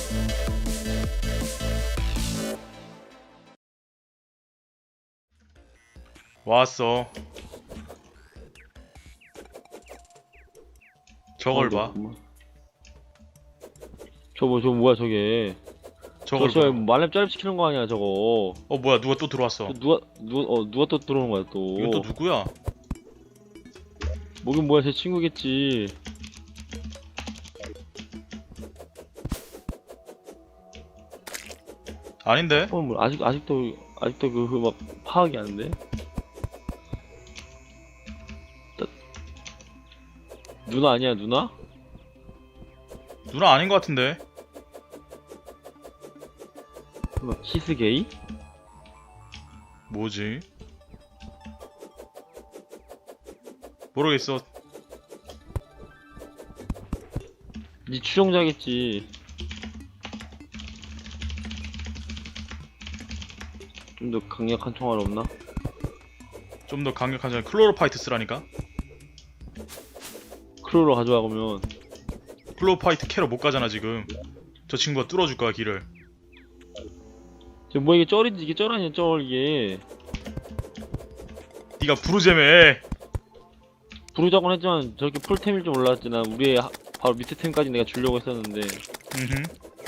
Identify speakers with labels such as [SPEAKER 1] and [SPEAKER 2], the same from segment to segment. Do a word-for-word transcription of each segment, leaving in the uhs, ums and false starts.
[SPEAKER 1] 왔어. 저걸 봐.
[SPEAKER 2] 저거 저거 뭐야 저게?
[SPEAKER 1] 저걸
[SPEAKER 2] 저거
[SPEAKER 1] 봐.
[SPEAKER 2] 말렙 짜립시키는 거 아니야 저거?
[SPEAKER 1] 어 뭐야, 누가 또 들어왔어.
[SPEAKER 2] 저 누가 누가 어 누가 또 들어오는 거야 또?
[SPEAKER 1] 이거 또 누구야?
[SPEAKER 2] 뭐긴 뭐야 제 친구겠지.
[SPEAKER 1] 아닌데?
[SPEAKER 2] 어 뭐 아직 아직도 아직도 그 막 파악이 안 돼? 따- 누나 아니야 누나?
[SPEAKER 1] 누나 아닌 것 같은데.
[SPEAKER 2] 막 키스 게이?
[SPEAKER 1] 뭐지? 모르겠어.
[SPEAKER 2] 니 추종자겠지. 좀 더 강력한 총알 없나?
[SPEAKER 1] 좀 더 강력한 전 클로로파이트 쓰라니까.
[SPEAKER 2] 크루로 가져와 그러면.
[SPEAKER 1] 클로로파이트 캐러 못 가잖아 지금. 저 친구가 뚫어줄 거야 길을.
[SPEAKER 2] 지금 뭐 이게 쩔인지 이게 쩔 아니야 쩔 이게.
[SPEAKER 1] 네가 부르제매.
[SPEAKER 2] 부르자곤 했지만 저렇게 풀템일 줄 몰랐지. 난 우리의 하, 바로 밑에 템까지 내가 주려고 했었는데.
[SPEAKER 1] 음흠.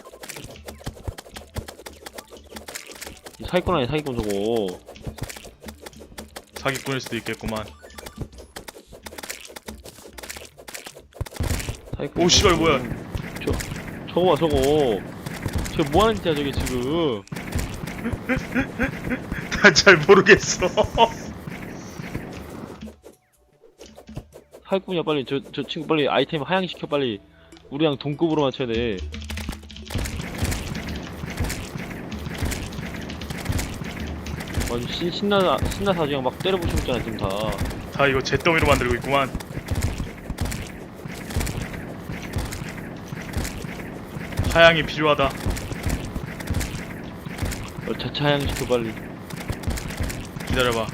[SPEAKER 2] 이 사기꾼 아니야 사기꾼 저거.
[SPEAKER 1] 사기꾼일 수도 있겠구만.
[SPEAKER 2] 사기꾼
[SPEAKER 1] 오 씨발 뭐야.
[SPEAKER 2] 저 저거 봐 저거. 저 뭐하는 짓이야 저게 지금.
[SPEAKER 1] 난 잘 모르겠어.
[SPEAKER 2] 사기꾼이야 빨리 저 저 친구 빨리 아이템 하향시켜 빨리. 우리랑 동급으로 맞춰야 돼. 아주 신, 신나, 신나서 그냥 막 때려부시고 있잖아, 지금 다.
[SPEAKER 1] 다 이거 잿더미로 만들고 있구만. 하향이 필요하다.
[SPEAKER 2] 어, 자체 하향시켜, 빨리.
[SPEAKER 1] 기다려봐.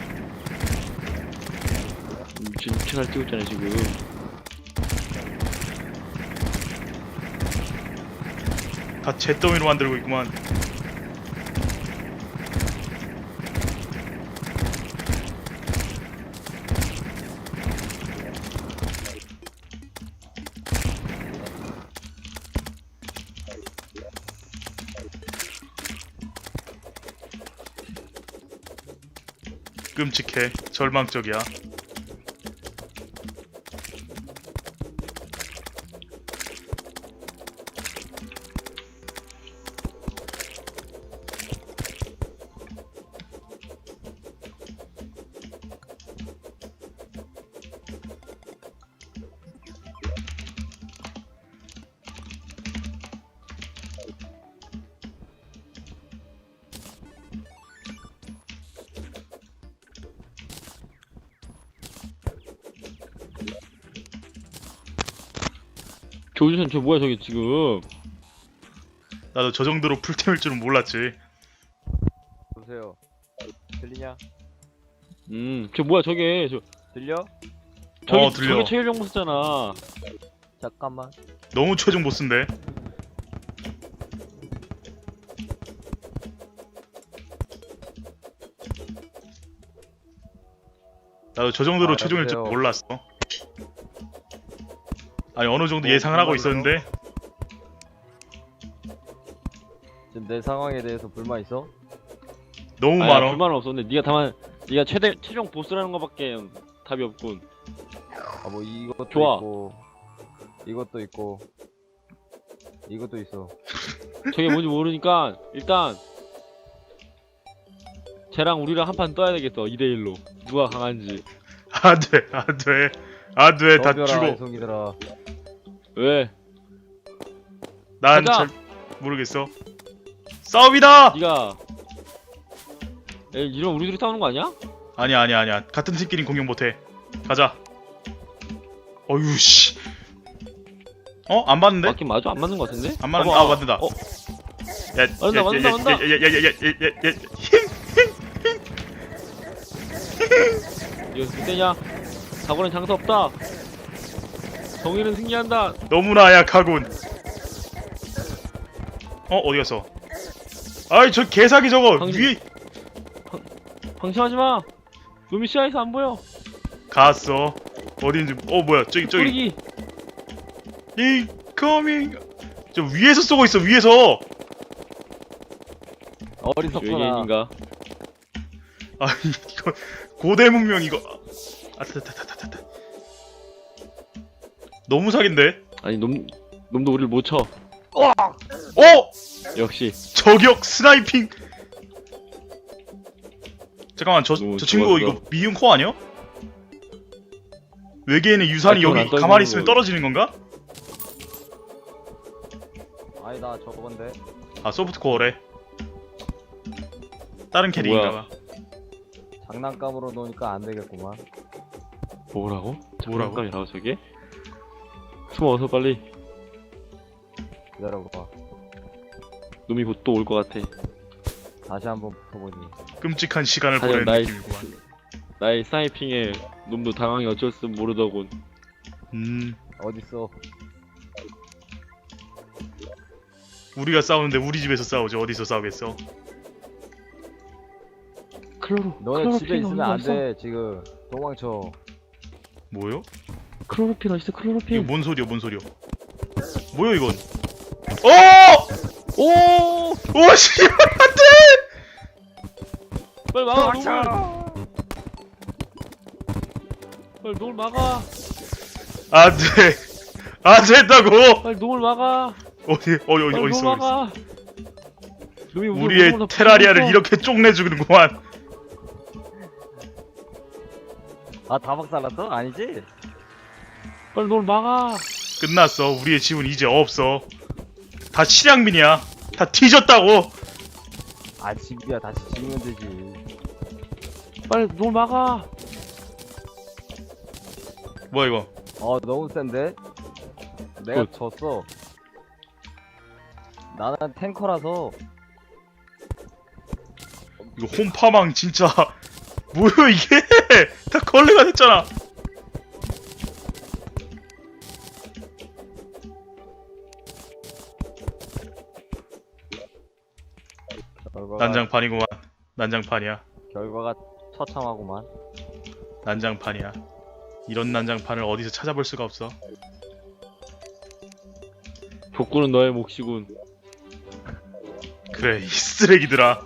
[SPEAKER 2] 미친, 미친 날 뛰고 있잖아, 지금.
[SPEAKER 1] 다 잿더미로 만들고 있구만. 끔찍해. 절망적이야.
[SPEAKER 2] 조준선, 저 뭐야, 저게 지금.
[SPEAKER 1] 나도 저 정도로 풀템일 줄은 몰랐지.
[SPEAKER 3] 보세요. 들리냐?
[SPEAKER 2] 음, 저 뭐야, 저게. 저,
[SPEAKER 3] 들려?
[SPEAKER 2] 저게,
[SPEAKER 1] 어, 들려.
[SPEAKER 2] 저게 체일 정보 쓰잖아.
[SPEAKER 3] 잠깐만.
[SPEAKER 1] 너무 최종 보스인데. 나도 저 정도로
[SPEAKER 3] 아,
[SPEAKER 1] 최종일 줄
[SPEAKER 3] 여보세요?
[SPEAKER 1] 몰랐어. 아니 어느 정도
[SPEAKER 3] 뭐,
[SPEAKER 1] 예상을 하고
[SPEAKER 3] 불만
[SPEAKER 1] 있었는데
[SPEAKER 3] 지금 내 상황에 대해서 불만 있어?
[SPEAKER 1] 너무
[SPEAKER 2] 아니야,
[SPEAKER 1] 많아.
[SPEAKER 2] 불만은 없었는데, 니가 다만, 니가 최대, 최종 보스라는 거밖에 답이 없군.
[SPEAKER 3] 아 뭐 이것도
[SPEAKER 2] 좋아.
[SPEAKER 3] 있고 이것도 있고 이것도 있어.
[SPEAKER 2] 저게 뭔지 모르니까, 일단, 쟤랑 우리랑 한 판 떠야 되겠어, 이 대 일로. 누가 강한지.
[SPEAKER 1] 안돼 안돼 안돼 다
[SPEAKER 3] 덤벼라,
[SPEAKER 1] 죽어.
[SPEAKER 3] 이송이들아.
[SPEAKER 2] 왜?
[SPEAKER 1] 난
[SPEAKER 2] 가자.
[SPEAKER 1] 잘 모르겠어. 싸움이다.
[SPEAKER 2] 니가, 에, 이러면 우리 둘이 싸우는 거 아니야?
[SPEAKER 1] 아니야 아니야 아니야. 같은 팀끼리 공격 못해. 가자. 어휴 씨. 어? 안 맞는데?
[SPEAKER 2] 맞긴 맞아? 안 맞는 거 같은데?
[SPEAKER 1] 안 맞는.
[SPEAKER 2] 봐봐.
[SPEAKER 1] 아 맞는다.
[SPEAKER 2] 어?
[SPEAKER 1] 야,
[SPEAKER 2] 맞는다, 맞는다, 맞는다.
[SPEAKER 1] 야야야야야야야야.
[SPEAKER 2] 이거 그때냐? 사고는 장사 없다. 정의는 승리한다.
[SPEAKER 1] 너무나 약하군. 어 어디 갔어? 아이 저 개사기 저거
[SPEAKER 2] 당신-
[SPEAKER 1] 위에
[SPEAKER 2] 방심하지 마. 놈이 시야에서 안 보여.
[SPEAKER 1] 갔어. 어디인지 어 뭐야 저기 저기
[SPEAKER 2] 뿌리기.
[SPEAKER 1] 이 커밍 저 위에서 쏘고 있어 위에서.
[SPEAKER 3] 어리석구나.
[SPEAKER 2] 외계인인가?
[SPEAKER 1] 아 이거 고대 문명 이거 아타타타타타 너무 사기인데.
[SPEAKER 2] 아니 놈 놈도 우리를 못 쳐.
[SPEAKER 1] 어
[SPEAKER 2] 역시.
[SPEAKER 1] 저격 스나이핑. 잠깐만 저 저
[SPEAKER 2] 너무
[SPEAKER 1] 친구
[SPEAKER 2] 좋았어.
[SPEAKER 1] 이거 미운 코 아니야? 외계인의 유산이
[SPEAKER 2] 아, 그건 안
[SPEAKER 1] 여기
[SPEAKER 2] 떨어지는
[SPEAKER 1] 가만히 있으면
[SPEAKER 2] 거.
[SPEAKER 1] 떨어지는 건가?
[SPEAKER 3] 아니 나 저건데.
[SPEAKER 1] 아 소프트코어래. 다른 캐릭인가봐.
[SPEAKER 3] 장난감으로 놓으니까 안 되겠구만.
[SPEAKER 2] 뭐라고?
[SPEAKER 1] 뭐라고?
[SPEAKER 2] 장난감이라고 저게? 숨어 어서 빨리.
[SPEAKER 3] 기다려봐.
[SPEAKER 2] 놈이 곧 또 올 것 같아.
[SPEAKER 3] 다시 한번 붙어보지.
[SPEAKER 1] 끔찍한 시간을
[SPEAKER 2] 하지만
[SPEAKER 1] 보내는
[SPEAKER 2] 나의
[SPEAKER 1] 느낌이구만.
[SPEAKER 2] 나의 스나이핑에 놈도 당황히 어쩔 줄 모르더군.
[SPEAKER 1] 음
[SPEAKER 3] 어딨어?
[SPEAKER 1] 우리가 싸우는데 우리 집에서 싸우지 어디서 싸우겠어?
[SPEAKER 2] 클로로.
[SPEAKER 3] 너네 집에
[SPEAKER 2] 클로로핀
[SPEAKER 3] 있으면
[SPEAKER 2] 어디
[SPEAKER 3] 안
[SPEAKER 2] 갔어?
[SPEAKER 3] 돼. 지금 도망쳐.
[SPEAKER 1] 뭐요?
[SPEAKER 2] 클로로핀 어딨어?
[SPEAKER 1] 이거
[SPEAKER 2] 클로로핀.
[SPEAKER 1] 뭔 소리야 뭔 소리야? 뭐야 이건? 어!
[SPEAKER 2] 오!
[SPEAKER 1] 오 씨발 안돼!
[SPEAKER 2] 빨리 막아. 놈을.
[SPEAKER 3] 도망쳐.
[SPEAKER 2] 빨리 놈을 막아.
[SPEAKER 1] 안돼 안 된다고!
[SPEAKER 2] 빨리 놈을 막아.
[SPEAKER 1] 어디 어디 어디
[SPEAKER 2] 빨리
[SPEAKER 1] 어디
[SPEAKER 2] 놈을
[SPEAKER 1] 있어? 어디 있어?
[SPEAKER 2] 막아. 놈이 우리
[SPEAKER 1] 우리의
[SPEAKER 2] 몸을 다
[SPEAKER 1] 테라리아를
[SPEAKER 2] 부숴버렸어.
[SPEAKER 1] 이렇게 쪽내주는구만.
[SPEAKER 3] 아 다 박살났어? 아니지?
[SPEAKER 2] 빨리 놈을 막아.
[SPEAKER 1] 끝났어. 우리의 집은 이제 없어. 다 실향민이야. 다 뒤졌다고.
[SPEAKER 3] 아 집이야. 다시 지으면 되지.
[SPEAKER 2] 빨리 놈을 막아.
[SPEAKER 1] 뭐야 이거?
[SPEAKER 3] 어 너무 센데? 내가
[SPEAKER 2] 굿.
[SPEAKER 3] 졌어. 나는 탱커라서.
[SPEAKER 1] 이거 홈파망 진짜 뭐야 이게? 다 걸레가 됐잖아.
[SPEAKER 3] 결과가,
[SPEAKER 1] 난장판이구만. 난장판이야.
[SPEAKER 3] 결과가 처참하구만.
[SPEAKER 1] 난장판이야. 이런 난장판을 어디서 찾아볼 수가 없어.
[SPEAKER 2] 복구는 너의 몫이군.
[SPEAKER 1] 그래 이 쓰레기들아.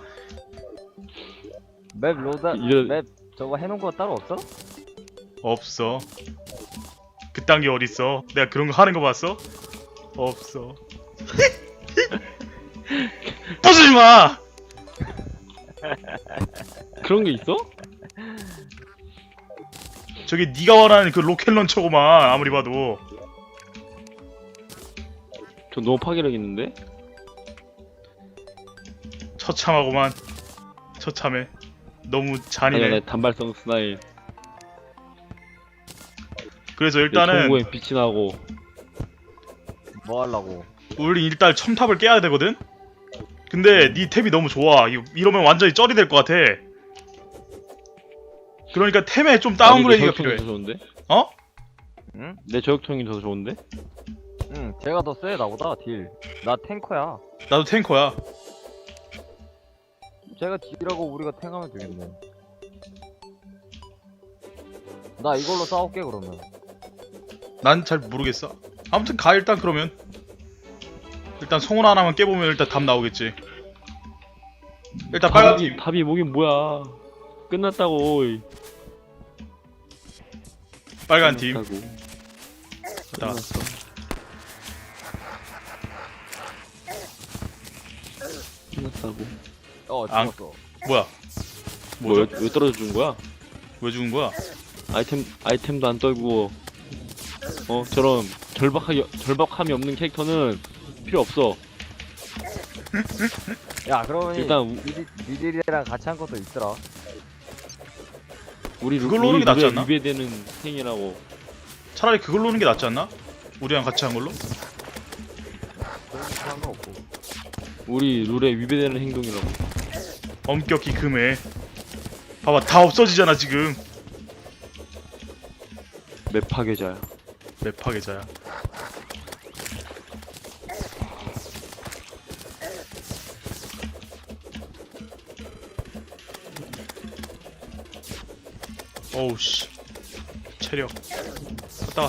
[SPEAKER 3] 맵 로다
[SPEAKER 2] 이런-
[SPEAKER 3] 맵 저거 해놓은 거 따로 없어?
[SPEAKER 1] 없어. 그딴 게 어딨어? 내가 그런 거 하는 거 봤어? 없어. 부수지 마.
[SPEAKER 2] 그런 게 있어?
[SPEAKER 1] 저게 네가 원하는 그 로켓 런처구만. 아무리 봐도.
[SPEAKER 2] 저 너무 파괴력 있는데?
[SPEAKER 1] 처참하구만. 처참해. 너무
[SPEAKER 2] 아니야,
[SPEAKER 1] 잔인해.
[SPEAKER 2] 내 단발성 스나일.
[SPEAKER 1] 그래서
[SPEAKER 2] 내
[SPEAKER 1] 일단은
[SPEAKER 2] 총구에 빛이 나고.
[SPEAKER 3] 뭐 하려고?
[SPEAKER 1] 우리 일단 첨탑을 깨야 되거든. 근데 네 템이 너무 좋아. 이거 이러면 완전히 쩔이 될 것 같아. 그러니까 템에 좀 다운그레이드가
[SPEAKER 2] 아니, 내
[SPEAKER 1] 필요해.
[SPEAKER 2] 저격총이 더 좋은데?
[SPEAKER 1] 어?
[SPEAKER 3] 응?
[SPEAKER 2] 내 저격총이 더 좋은데?
[SPEAKER 3] 응, 제가 더 쎄, 나보다, 딜. 나 탱커야.
[SPEAKER 1] 나도 탱커야.
[SPEAKER 3] 제가 딜하고 우리가 탱하면 되겠네. 나 이걸로 싸울게, 그러면.
[SPEAKER 1] 난 잘 모르겠어. 아무튼 가 일단 그러면. 일단 성운 하나만 깨보면 일단 답 나오겠지. 일단 빨간 팀.
[SPEAKER 2] 답이 뭐긴 뭐야. 끝났다고. 어이.
[SPEAKER 1] 빨간 팀.
[SPEAKER 2] 끝났다고.
[SPEAKER 1] 자,
[SPEAKER 2] 끝났어. 끝났다고.
[SPEAKER 3] 어,
[SPEAKER 1] 안-
[SPEAKER 3] 죽었어.
[SPEAKER 1] 뭐야?
[SPEAKER 2] 뭐, 왜,
[SPEAKER 1] 뭐죠?
[SPEAKER 2] 왜 떨어져 준 거야?
[SPEAKER 1] 왜 죽은 거야?
[SPEAKER 2] 아이템, 아이템도 안 떨고, 어, 저런 절박하기, 절박함이 없는 캐릭터는 필요 없어.
[SPEAKER 3] 야, 그러면
[SPEAKER 2] 일단 우-
[SPEAKER 3] 니들, 니들이랑 같이 한 것도 있더라.
[SPEAKER 2] 우리 루,
[SPEAKER 1] 그걸로 오는
[SPEAKER 2] 우리
[SPEAKER 1] 게 낫지
[SPEAKER 2] 룰에
[SPEAKER 1] 않나?
[SPEAKER 2] 위배되는 행위라고.
[SPEAKER 1] 차라리 그걸로 오는 게 낫지 않나? 우리랑 같이 한 걸로?
[SPEAKER 3] 그런 거 상관없고.
[SPEAKER 2] 우리 룰에 위배되는 행동이라고.
[SPEAKER 1] 엄격히 금해. 봐봐 다 없어지잖아 지금.
[SPEAKER 2] 맵 파괴자야.
[SPEAKER 1] 맵 파괴자야. 어우 씨 체력 갔다가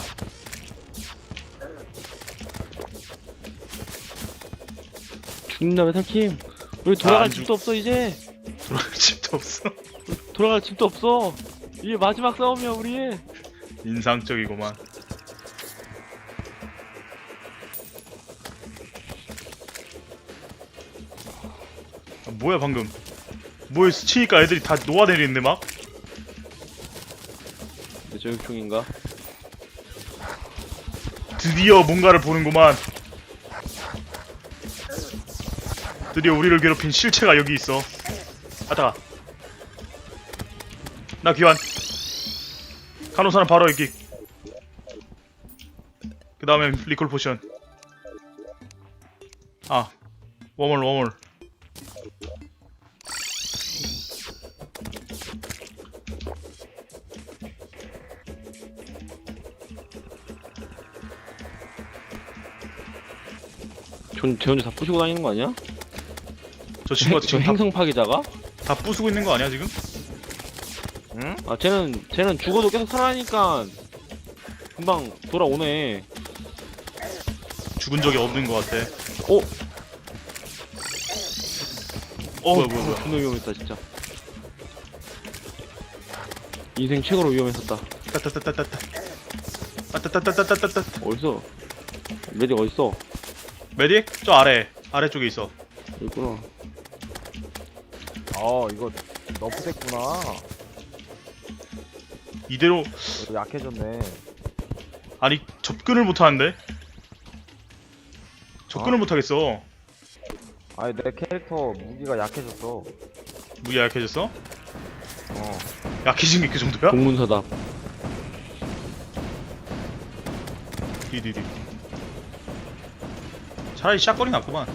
[SPEAKER 2] 죽는다 메탈킴. 우리 돌아갈
[SPEAKER 1] 안 죽-
[SPEAKER 2] 집도 없어 이제.
[SPEAKER 1] 돌아갈 집도 없어.
[SPEAKER 2] 돌아갈 집도 없어. 이게 마지막 싸움이야 우리.
[SPEAKER 1] 인상적이구만. 아, 뭐야 방금 뭐에 스치니까 애들이 다 녹아내리는데 막?
[SPEAKER 2] 내 저격총인가?
[SPEAKER 1] 드디어 뭔가를 보는구만. 드디어 우리를 괴롭힌 실체가 여기 있어. 아따가 나 귀환. 간호사는 바로 여기. 그 다음에 리콜 포션. 아 워멀 워멀.
[SPEAKER 2] 전, 쟤 혼자 다 부시고 다니는 거 아니야?
[SPEAKER 1] 저 친구가
[SPEAKER 2] 저
[SPEAKER 1] 지금 다,
[SPEAKER 2] 행성 파괴자가?
[SPEAKER 1] 다 부수고 있는 거 아니야 지금?
[SPEAKER 3] 응?
[SPEAKER 2] 아 쟤는 쟤는 죽어도 계속 살아나니까 금방 돌아오네.
[SPEAKER 1] 죽은 적이 없는 것 같아.
[SPEAKER 2] 어?
[SPEAKER 1] 어
[SPEAKER 2] 뭐야
[SPEAKER 1] 뭐야 뭐야.
[SPEAKER 2] 존나 위험했다 진짜. 인생 최고로 위험했었다.
[SPEAKER 1] 따따따따따따. 따따따따따따따.
[SPEAKER 2] 어딨어? 메딕 어딨어?
[SPEAKER 1] 메딕? 저 아래 아래쪽에 있어.
[SPEAKER 2] 여기 있구나.
[SPEAKER 3] 어 이거 너프됐구나.
[SPEAKER 1] 이대로
[SPEAKER 3] 이거 약해졌네.
[SPEAKER 1] 아니 접근을 못하는데? 접근을
[SPEAKER 3] 어?
[SPEAKER 1] 못하겠어.
[SPEAKER 3] 아니 내 캐릭터 무기가 약해졌어.
[SPEAKER 1] 무기 약해졌어?
[SPEAKER 3] 어.
[SPEAKER 1] 약해진 게 그 정도야?
[SPEAKER 2] 동문서답.
[SPEAKER 1] 디디디. 차라리 샷건이 낫구만.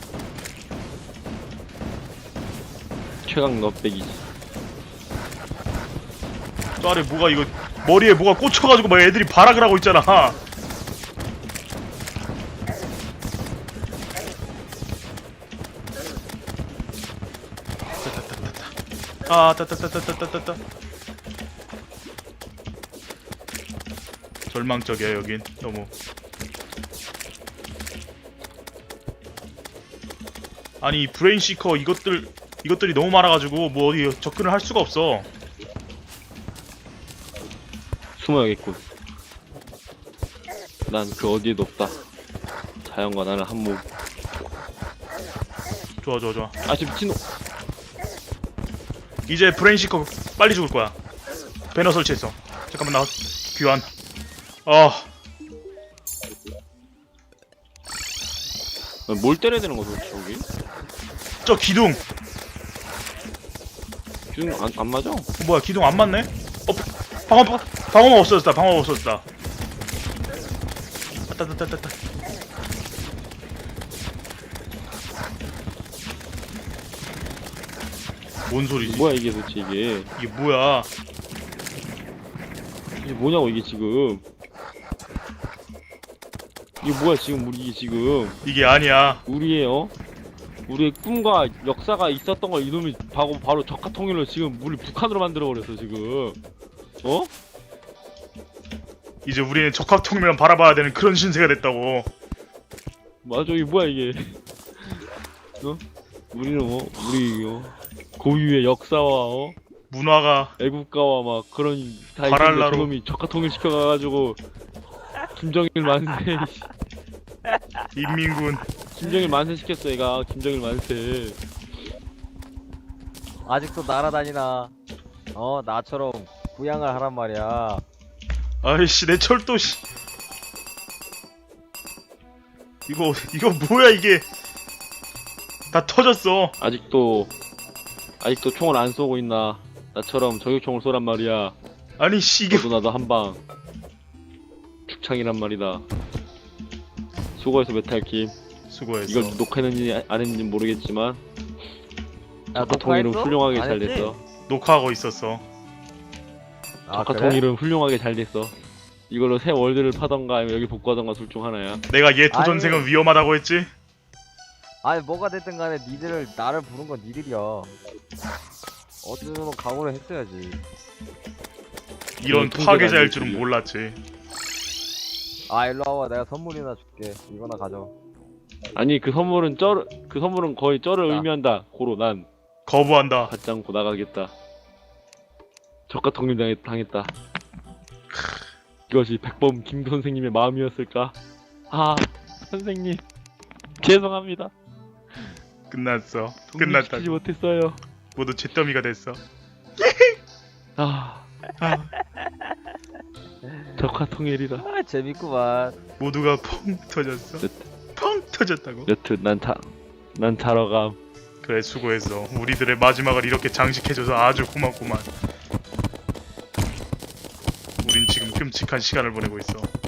[SPEAKER 2] 최강 넛백이지.
[SPEAKER 1] 저 아래 뭐가 이거 머리에 뭐가 꽂혀가지고 막 애들이 발악을 하고 있잖아. 아, 따따따따따따따. 절망적이야 여긴 너무. 아니 이 브레인시커 이것들 이것들이 너무 많아가지고 뭐 어디 접근을 할 수가 없어.
[SPEAKER 2] 숨어야겠군. 난 그 어디에도 없다. 자연과 나는 한몸.
[SPEAKER 1] 좋아 좋아 좋아.
[SPEAKER 2] 아, 저 미친놈.
[SPEAKER 1] 이제 브레인시커 빨리 죽을 거야. 배너 설치했어. 잠깐만 나 귀환. 아
[SPEAKER 2] 뭘 때려야 되는 거야, 도대체, 여기?
[SPEAKER 1] 저 기둥.
[SPEAKER 2] 지금 안, 안 맞아?
[SPEAKER 1] 어, 뭐야 기둥 안 맞네? 어 방어 방어막 없어졌다. 방어막 없어졌다. 따따따따따. 뭔 소리지?
[SPEAKER 2] 뭐야, 이게 도대체, 이게.
[SPEAKER 1] 이게 뭐야?
[SPEAKER 2] 이게 뭐냐고, 이게 지금. 이게 뭐야, 지금, 우리, 이게 지금.
[SPEAKER 1] 이게 아니야.
[SPEAKER 2] 우리의, 어? 우리의 꿈과 역사가 있었던 걸 이놈이 바로, 바로 적화 통일로 지금 우리 북한으로 만들어버렸어, 지금. 어?
[SPEAKER 1] 이제 우리는 적합통일만 바라봐야 되는 그런 신세가 됐다고.
[SPEAKER 2] 맞아, 이게 뭐야, 이게. 어? 우리는 뭐, 우리, 어? 고유의 역사와, 어?
[SPEAKER 1] 문화가
[SPEAKER 2] 애국가와 막 그런 다
[SPEAKER 1] 발알라로.
[SPEAKER 2] 있는데 저놈이 적화 통일시켜가가지고 김정일 만세
[SPEAKER 1] 인민군.
[SPEAKER 2] 김정일 만세 시켰어 얘가. 김정일 만세.
[SPEAKER 3] 아직도 날아다니나. 어 나처럼 부양을 하란 말이야.
[SPEAKER 1] 아이씨 내 철도 씨. 이거 이거 뭐야 이게. 다 터졌어.
[SPEAKER 2] 아직도 아직도 총을 안 쏘고 있나. 나처럼 저격총을 쏘란 말이야.
[SPEAKER 1] 아니 씨 이게
[SPEAKER 2] 너도 나도 한방 죽창이란 말이다. 수고해서 메탈킴.
[SPEAKER 1] 수고했어.
[SPEAKER 2] 이걸 녹화했는지 안 했는지 모르겠지만
[SPEAKER 3] 야,
[SPEAKER 2] 적화 통일은
[SPEAKER 3] 녹화했어?
[SPEAKER 2] 훌륭하게
[SPEAKER 3] 안
[SPEAKER 2] 잘
[SPEAKER 3] 했지?
[SPEAKER 2] 됐어.
[SPEAKER 1] 녹화하고 있었어.
[SPEAKER 3] 아,
[SPEAKER 2] 적화
[SPEAKER 3] 그래?
[SPEAKER 2] 통일은 훌륭하게 잘 됐어. 이걸로 새 월드를 파던가 아니면 여기 복구하던가 둘 중 하나야.
[SPEAKER 1] 내가 얘 도전생은
[SPEAKER 3] 아니.
[SPEAKER 1] 위험하다고 했지?
[SPEAKER 3] 아니 뭐가 됐든 간에 니들을 나를 부른 건 니들이야. 어느 정도 각오를 했어야지.
[SPEAKER 1] 이런
[SPEAKER 2] 통제가 안
[SPEAKER 1] 파괴자일
[SPEAKER 2] 될
[SPEAKER 1] 줄은
[SPEAKER 2] 줄이야.
[SPEAKER 1] 몰랐지.
[SPEAKER 3] 아 일로 와봐. 내가 선물이나 줄게. 이거나 가져.
[SPEAKER 2] 아니 그 선물은 쩔, 그 선물은 거의 쩔을
[SPEAKER 3] 나.
[SPEAKER 2] 의미한다. 고로 난
[SPEAKER 1] 거부한다.
[SPEAKER 2] 받지 않고 나가겠다. 적과 통일 당했, 당했다. 이것이 백범 김 선생님의 마음이었을까? 아 선생님 죄송합니다.
[SPEAKER 1] 끝났어.
[SPEAKER 2] 독립시키지
[SPEAKER 1] 끝났다고.
[SPEAKER 2] 못했어요.
[SPEAKER 1] 모두 잿더미가 됐어.
[SPEAKER 2] 아,
[SPEAKER 1] 아,
[SPEAKER 2] 적화 통일이라.
[SPEAKER 3] 아 재밌구만.
[SPEAKER 1] 모두가 펑 터졌어. 펑 터졌다고.
[SPEAKER 2] 여튼 난 자, 난 자러 감.
[SPEAKER 1] 그래 수고했어. 우리들의 마지막을 이렇게 장식해줘서 아주 고맙구만. 우린 지금 끔찍한 시간을 보내고 있어.